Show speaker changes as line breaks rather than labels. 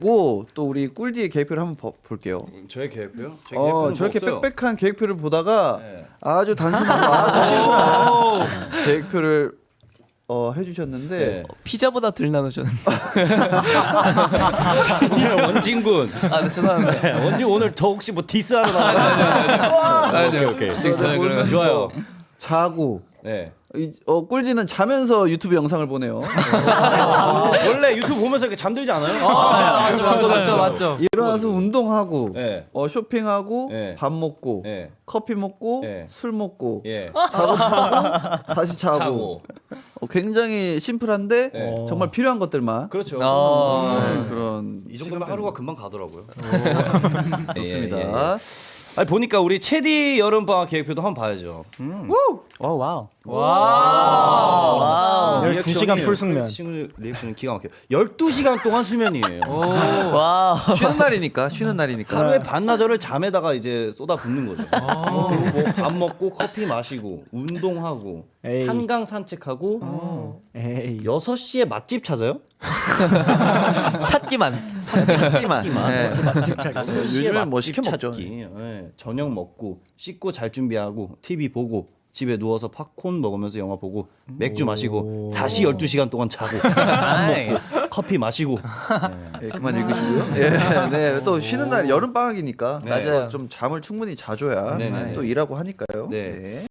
또 우리 꿀디의 계획표를 한번 볼게요.
저의 계획표요? 제 계획표는
저렇게
뭐 없어요.
빽빽한 계획표를 보다가
네.
아주 단순하고 아주 심플한 계획표를 해주셨는데
네.
피자보다 덜 나누셨는데.
원진군.
네, 죄송합니다.
원진 오늘 저 혹시 뭐 디스하러 나가요? 오케이.
저는
좋아요.
자고
네.
꿀디는 자면서 유튜브 영상을 보네요.
원래 유튜브 보면서 이렇게 잠들지 않아요?
맞죠.
일어나서 운동하고
네.
쇼핑하고
네.
밥 먹고
네.
커피 먹고
네.
술 먹고
예.
다시 자고.
자고.
굉장히 심플한데
네.
정말 필요한 것들만
그렇죠.
그런
이 정도면 하루가 금방 가더라고요.
좋습니다.
예, 예, 예. 아니 보니까 우리 체디 여름 방학 계획표도 한번 봐야죠.
와우.
12시간 풀숙면.
리액션은 기가 막혀요. 12시간 동안 수면이에요.
와.
쉬는 날이니까.
하루에 반나절을 잠에다가 이제 쏟아 붓는 거죠. 그리고 뭐밥 먹고 커피 마시고 운동하고
에이.
한강 산책하고
에이.
6시에 맛집 찾아요?
찾기만.
네.
맛집 찾기.
요즘엔 뭐 시켜 먹죠.
저녁 먹고 씻고 잘 준비하고 TV 보고 집에 누워서 팝콘 먹으면서 영화 보고 맥주 마시고 다시 12시간 동안 자고 밥 먹고 커피 마시고
그만 읽으시고요. 네, 또 쉬는 날 여름 방학이니까
네.
맞아요.
좀 잠을 충분히 자줘야
네, 네.
또 일하고 하니까요.
네.
네.